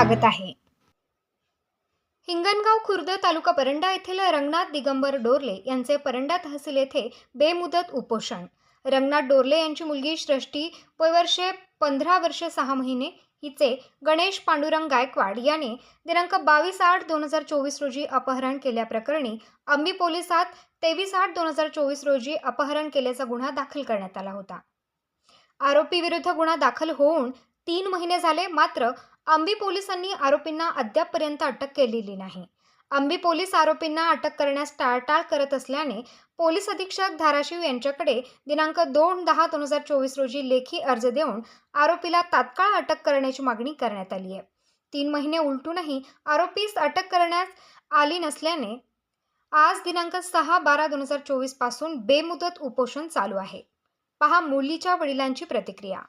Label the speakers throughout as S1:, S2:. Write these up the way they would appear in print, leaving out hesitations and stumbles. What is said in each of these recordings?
S1: स्वागत आहे। हिंगणगाव खुर्द तालुका परंडा येथील रंगनाथ दिगंबर डोरले यांचे परंडा तहसील येथे बेमुदत उपोषण। रंगनाथ डोरले यांची मुलगी सृष्टी वर्षे 15 वर्षे 6 महिने हिचे गणेश पांडुरंग गायकवाड याने दिनांक 22/8/2024 रोजी अपहरण केल्याप्रकरणी अंबी पोलिसात 23/8/2024 रोजी अपहरण केल्याचा गुन्हा दाखल करण्यात आला होता। आरोपी विरुद्ध गुन्हा दाखल होऊन 3 महिने झाले, मात्र अंबी पोलिसांनी आरोपींना अद्यापपर्यंत अटक केलेली नाही। अंबी पोलीस आरोपींना अटक करण्यास टाळाटाळ करत असल्याने पोलीस अधीक्षक धाराशिव यांच्याकडे दिनांक 2/10/2024 रोजी लेखी अर्ज देऊन आरोपीला तात्काळ अटक करण्याची मागणी करण्यात आली आहे। 3 महिने उलटूनही आरोपीस अटक करण्यात आली नसल्याने आज दिनांक 6/12/2024 पासून बेमुदत उपोषण चालू आहे। पहा मुलीच्या वडिलांची प्रतिक्रिया।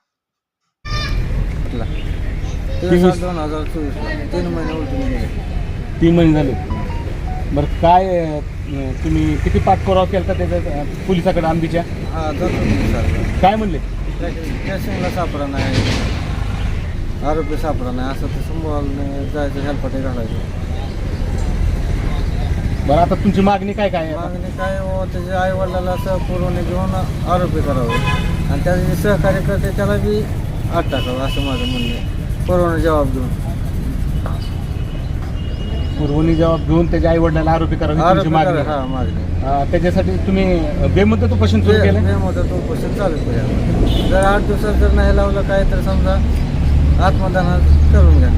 S2: 2024
S3: 3 महिने झाले। बरं, काय तुम्ही किती पाठपुरावा केला त्याच्या पोलिसाकडे अंबीच्या? काय म्हणले?
S2: स्टेशनला सापडा नाही, आरोपी सापडा नाही, असं ते समोर जायचं, हेलपाटे घालायचं।
S3: बरं, आता तुमची मागणी काय काय आहे?
S2: मागणी काय हो, त्याच्या आई वडिलाला असं पुरवणी घेऊन आरोपी करावं आणि त्याचे जे सहकार्य करते त्याला बी आत टाकावं, असं माझं म्हणणं आहे। पुरवणी जबाब देऊन
S3: पुरवणी जबाब घेऊन त्याच्या आई वडिलांना आरोपी करावे तुमची मागणी?
S2: हा, मागणी।
S3: त्याच्यासाठी तुम्ही बेमुदत उपोषण सुरू केलं?
S2: बेमुदत उपोषण चालू केलं। जर 8 दिवसात जर नाही लावलं काय तर समजा आत्मदान करून घ्या।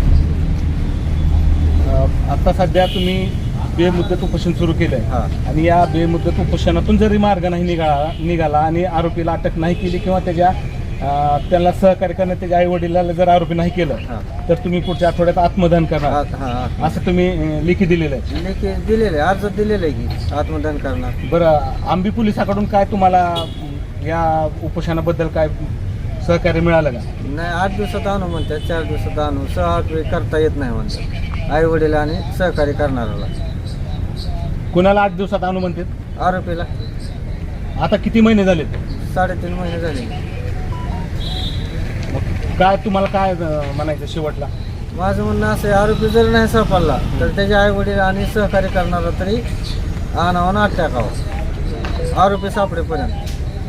S3: आता सध्या तुम्ही बेमुदत उपोषण सुरू केलंय आणि या बेमुदत उपोषणातून जरी मार्ग नाही निघाला आणि आरोपीला अटक नाही केली किंवा त्याला सहकार्य करण्यात त्याच्या आई वडिलाला जर आरोपी नाही केलं तर तुम्ही पुढच्या आठवड्यात आत्मदान करणार असं तुम्ही लेखी दिलेलं आहे?
S2: लेखी दिलेलं आहे, अर्ज दिलेलं आहे की आत्मदान करणार।
S3: बरं, अंबी पोलिसाकडून काय तुम्हाला या उपोषणाबद्दल काय सहकार्य मिळालं का?
S2: नाही, 8 दिवसात आणू म्हणतात, 4 दिवसात आणू, 6-8 वेळ करता येत नाही म्हणतात आई वडील आणि सहकार्य करणाऱ्याला।
S3: कुणाला 8 दिवसात आणू म्हणतात?
S2: आरोपीला।
S3: आता किती महिने झाले?
S2: 3.5 महिने झाले।
S3: काय तुम्हाला काय म्हणायचं शेवटला?
S2: माझं म्हणणं असं आहे, आरोपी जर नाही सापडला तर त्याचे आई वडील आणि सहकार्य करणारा तरी आणावं, आत टाकावं आरोपी सापडेपर्यंत।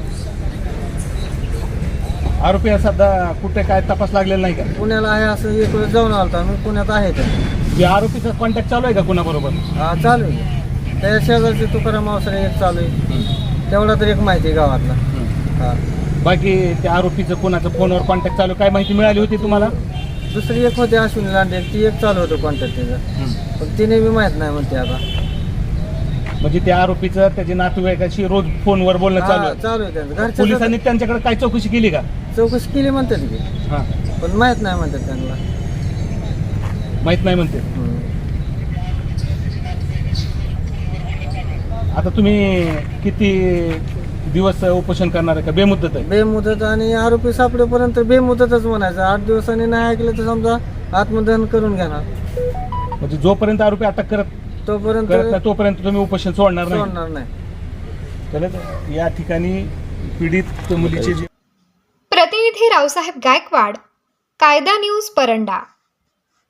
S3: आरोपी सध्या कुठे काय तपास लागलेला नाही का?
S2: पुण्याला आहे, असं एक वेळ जाऊन आलता मी, पुण्यात आहे ते।
S3: आरोपीचा कॉन्टॅक्ट चालू आहे का कुणाबरोबर?
S2: हा, चालू आहे। त्या शेजारचे तुकाराम अवसरे एक चालू आहे, तेवढा तर एक माहिती आहे गावातला। हा,
S3: बाकी त्या आरोपीचं कोणाचं फोनवर कॉन्टॅक्ट चालू काय माहिती मिळाली होती तुम्हाला?
S2: दुसरी एक होती अश्विनी लांडे, ती एक चालू होतं कॉन्टॅक्ट त्याचं, पण तिने बी माहीत नाही म्हणते आता।
S3: म्हणजे त्या आरोपीचं त्याच्या नातेवाईकाशी रोज फोनवर बोलणं चालू आहे?
S2: चालू आहे त्यांचं। घरच्या
S3: पोलिसांनी त्यांच्याकडे काय चौकशी केली का?
S2: चौकशी केली म्हणतात की, पण माहीत नाही म्हणतात त्यांना,
S3: माहित नाही म्हणते। आता तुम्ही किती दिवस उपोषण करणार आहे का बेमुदत आहे?
S2: बेमुदत, आणि आरोपी सापडेपर्यंत बेमुदतच म्हणायचं। 8 दिवसांनी नाही ऐकलं तर समजा आत्मदहन करून घेणार।
S3: म्हणजे जोपर्यंत आरोपी अटक करत तोपर्यंत तुम्ही उपोषण सोडणार
S2: नाही।
S3: तर या ठिकाणी पीडित मुलीचे
S1: प्रतिनिधी रावसाहेब गायकवाड, कायदा न्यूज परंडा।